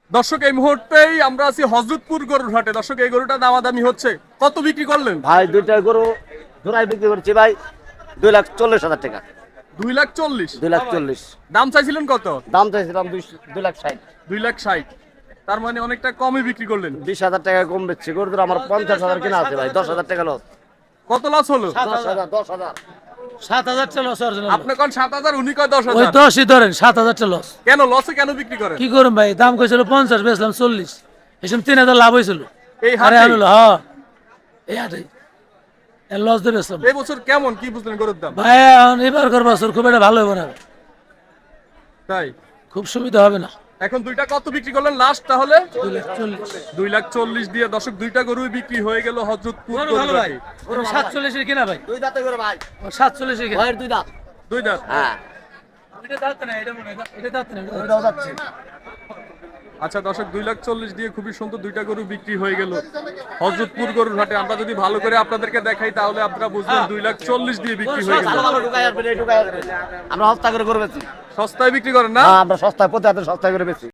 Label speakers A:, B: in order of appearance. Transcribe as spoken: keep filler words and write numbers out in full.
A: দর্শক এই মুহূর্তেই আমরা আছি হযরতপুর গরুর হাটে। দর্শক এই গরুটা দামাদামি হচ্ছে, কত বিক্রি করলেন?
B: ভাই দুইটা গরু জোড়াই বিক্রি করছি ভাই দুই লাখ চল্লিশ হাজার টাকা।
A: দুই লাখ চল্লিশ।
B: দুই লাখ চল্লিশ
A: দাম চাইছিলেন কত?
B: দাম চাইছিলাম দুই দুই লাখ ষাট।
A: দুই লাখ ষাট। তার মানে অনেকটা কমই বিক্রি করলেন।
B: বিশ হাজার টাকা কম বেচছি গরু দুটো আমার পঞ্চাশ হাজার কিনা আছে ভাই, দশ হাজার টাকা লস।
A: কত লস হলো?
B: দশ হাজার দশ হাজার
C: সাত হাজার টা লস অরিজিনাল।
A: আপনি কোন সাত হাজার, উনি কয় দশ
C: ওই
A: হাজার।
C: দশই ধরেন, সাত হাজার টা লস।
A: কেন লসে কেন বিক্রি করেন?
C: কি করুন ভাই, দাম কইছিল পঞ্চাশ, বেচলাম চল্লিশ, এসব তিন হাজার লাভ হয়েছিল।
A: এই
C: আরে
A: হাটে?
C: আনলো হ্যাঁ, এই হাটে লস দিয়ে বেচলাম।
A: এই বছর কেমন কি বুঝলেন গরুর দাম?
C: ভাই এখন এবার কর বছর খুব একটা ভালো হবে না,
A: তাই
C: খুব সুবিধা হবে না।
A: এখন দুইটা কত বিক্রি করলেন লাস্ট তাহলে?
C: দুই লাখ চল্লিশ।
A: দুই লাখ চল্লিশ দিয়ে দর্শক দুইটা গরুই বিক্রি হয়ে গেল হযরতপুর
C: গরু
A: গরুর
C: ভালো ভাই,
A: হাটে।
C: সাতচল্লিশের কিনা ভাই,
B: দুই দাঁতে করে ভাই,
C: সাতচল্লিশের কিনা।
B: ভাইয়ের দুই দাঁত।
A: দুই দাঁত।
B: হ্যাঁ
C: এটা দাঁত না, এটা মনে হয় এটা দাঁত না, এটা দাঁত না।
B: ওইটাও যাচ্ছে।
A: আচ্ছা দর্শক দুই লাখ চল্লিশ দিয়ে খুবই সুন্দর দুইটা গরু বিক্রি হয়ে গেল হযরতপুর গরুর হাটে। আমরা যদি ভালো করে আপনাদেরকে দেখাই তাহলে আপনারা বুঝবেন দুই লাখ চল্লিশ দিয়ে বিক্রি হয়ে গেল।
B: ভালো ভালো ঢুকাই আসবেন, এই ঢুকাই আসবেন। আমরা সস্তা করে করে বেচি।
A: সস্তায় বিক্রি করেন না?
B: হ্যাঁ আমরা সস্তায় প্রতি হাতে সস্তায় করে বেচি।